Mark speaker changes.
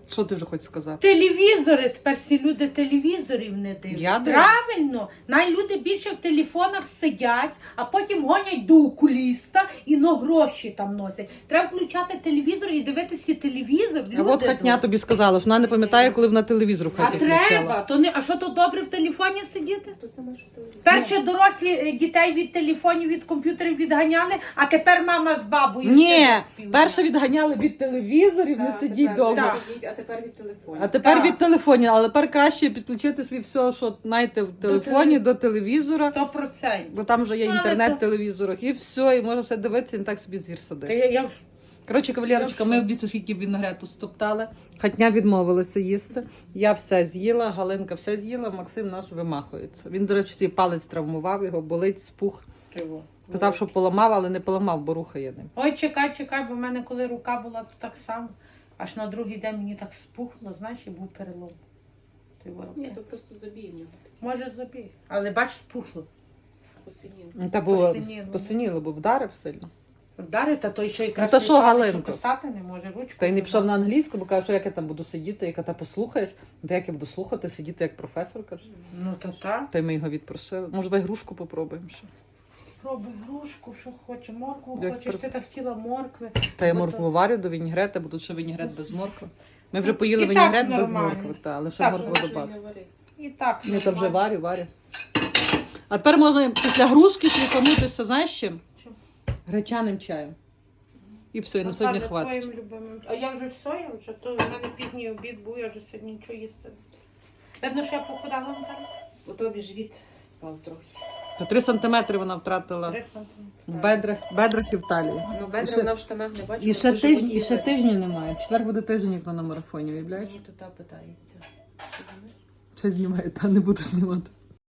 Speaker 1: Що ти вже хочеш сказати?
Speaker 2: Телевізори, тепер всі люди телевізорів не дивляться.
Speaker 1: Я дивлюсь.
Speaker 2: Правильно. Люди більше в телефонах сидять, а потім гонять до окуліста і гроші там носять. Треба включати телевізор і дивитися телевізор.
Speaker 1: А от Хатня тобі сказала, що вона не пам'ятає, коли вона телевізор в
Speaker 2: А
Speaker 1: хаті
Speaker 2: треба.
Speaker 1: включала.
Speaker 2: А що то добре в телефоні сидіти?
Speaker 3: То саме, що телевізор.
Speaker 2: Перше дорослі дітей від телефонів, від комп'ютерів відганяли, а тепер мама з бабою.
Speaker 1: Ні,
Speaker 2: сидить.
Speaker 1: перше відганяли від телевізорів, не
Speaker 3: Так,
Speaker 1: сидіть
Speaker 3: тепер
Speaker 1: довго.
Speaker 2: Так.
Speaker 3: сидіть, а тепер від телефону.
Speaker 1: А тепер
Speaker 2: Так.
Speaker 1: від телефонів, але тепер краще підключити свій все, що знаєте, в телефоні до телевізора,
Speaker 2: 100%.
Speaker 1: бо там вже є
Speaker 2: Ну, але
Speaker 1: інтернет
Speaker 2: то-
Speaker 1: в телевізорах, і все, і можна все дивитися, і не так собі зір
Speaker 2: Та
Speaker 1: садити.
Speaker 2: я
Speaker 1: Коротше, кавалерочка,
Speaker 2: Я
Speaker 1: ми
Speaker 2: в
Speaker 1: в дітей скільки винограду стоптали. Хатня відмовилася їсти. Я все з'їла, Галинка все з'їла, Максим наш вимахується. Він, до речі, свій палець травмував, його болить, спух.
Speaker 2: чого?
Speaker 1: Казав, що поламав, але не поламав, бо рухає ним.
Speaker 2: Ой, чекай, бо в мене коли рука була, то так само. Аж на другий день мені так спухло, знаєш, і був перелом.
Speaker 3: Ні, то просто забій в нього.
Speaker 2: Може забіг. Але бач, спухло.
Speaker 3: Посинів.
Speaker 1: Та було
Speaker 2: Посиніло.
Speaker 1: посиніло, бо вдарив сильно.
Speaker 2: Вдарить, а той ще якраз
Speaker 1: Ну, то що, Галинко?
Speaker 2: писати не може, ручку.
Speaker 1: Та й не пішов на англійську, бо каже, що як я там буду сидіти, яка та послухаєш, то як я буду слухати, сидіти як професор, каже.
Speaker 2: Ну то так.
Speaker 1: Та й ми його відпросили. Може, давай грушку попробуємо ще.
Speaker 2: Пробуй грушку, що хоче, моркву
Speaker 1: Як
Speaker 2: хочеш,
Speaker 1: при-
Speaker 2: ти так хотіла моркви.
Speaker 1: Та я
Speaker 2: Ну,
Speaker 1: моркву
Speaker 2: то-
Speaker 1: варю до вінігрета, бо тут ще вінігрет без моркви. Ми вже поїли
Speaker 2: І так
Speaker 1: вінігрет без
Speaker 2: нормально.
Speaker 1: моркви, та, але ще
Speaker 2: Так,
Speaker 1: моркву
Speaker 3: Що
Speaker 1: добавили.
Speaker 3: не вари.
Speaker 2: І так.
Speaker 1: Ні, то вже
Speaker 2: нормально.
Speaker 1: варю. А тепер можна після грушки шліфанутися, знаєш чим?
Speaker 2: Чим?
Speaker 1: Гречаним чаєм. І все, і на сьогодні
Speaker 2: Наталя,
Speaker 1: хватить.
Speaker 2: твоїм любимим. А я вже все, я вже, то в мене пізній обід був, я вже сьогодні нічого їсти. Видно, що я похудала, Наталя?
Speaker 3: У тобі живіт спав трохи.
Speaker 1: Та 3 сантиметри вона втратила
Speaker 2: 3 сантиметри.
Speaker 1: в бедрах і в талії.
Speaker 3: Ну, бедра
Speaker 1: ще-
Speaker 3: вона в штанах не бачила.
Speaker 1: І ще
Speaker 3: то
Speaker 1: тиждень,
Speaker 3: животі
Speaker 1: і ще
Speaker 3: видно.
Speaker 1: тижня немає. Четвер буде тиждень, як на марафоні, уявляєш?
Speaker 3: Мені тут та питається. Ти знаєш?
Speaker 1: Ще знімає, та не буду знімати.